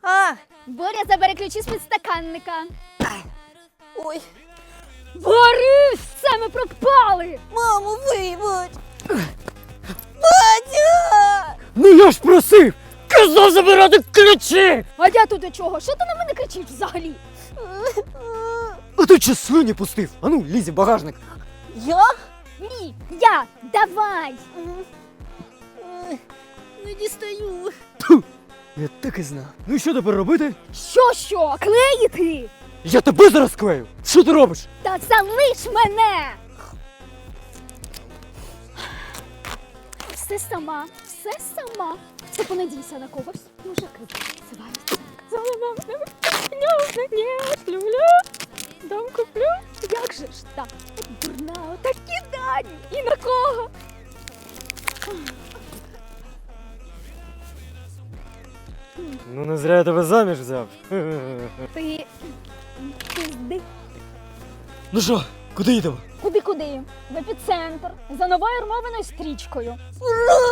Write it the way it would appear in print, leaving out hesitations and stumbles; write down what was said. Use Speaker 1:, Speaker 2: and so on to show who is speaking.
Speaker 1: А,
Speaker 2: Боря, забери ключі з підстаканника.
Speaker 1: ой,
Speaker 2: Борис, все, ми пропали!
Speaker 1: мамо, вибач. Батя!
Speaker 3: Ну я ж просив! Казав забирати ключі!
Speaker 2: А я тут до чого? Що ти на мене кричиш взагалі?
Speaker 3: А ти чи слюні пустив? Ану, лізь в багажник.
Speaker 1: Я?
Speaker 2: Ні, я, давай!
Speaker 1: Не дістаю.
Speaker 3: Я так і знав. Ну і що тепер робити?
Speaker 2: Що, клеїти?
Speaker 3: Я тебе зараз клею! Що ти робиш?
Speaker 2: Та залиш мене! Все сама, все сама. Ти понадійся на когось. Дуже кричить. Люблю, дом куплю. Як же ж так? Дурна, отакі дані. І на кого?
Speaker 3: Ну не зря я тебе заміж взяв.
Speaker 2: Ти пизди.
Speaker 3: Ну що, куди їдемо?
Speaker 2: Куди? В епіцентр. За новою армованою стрічкою.
Speaker 1: Ура!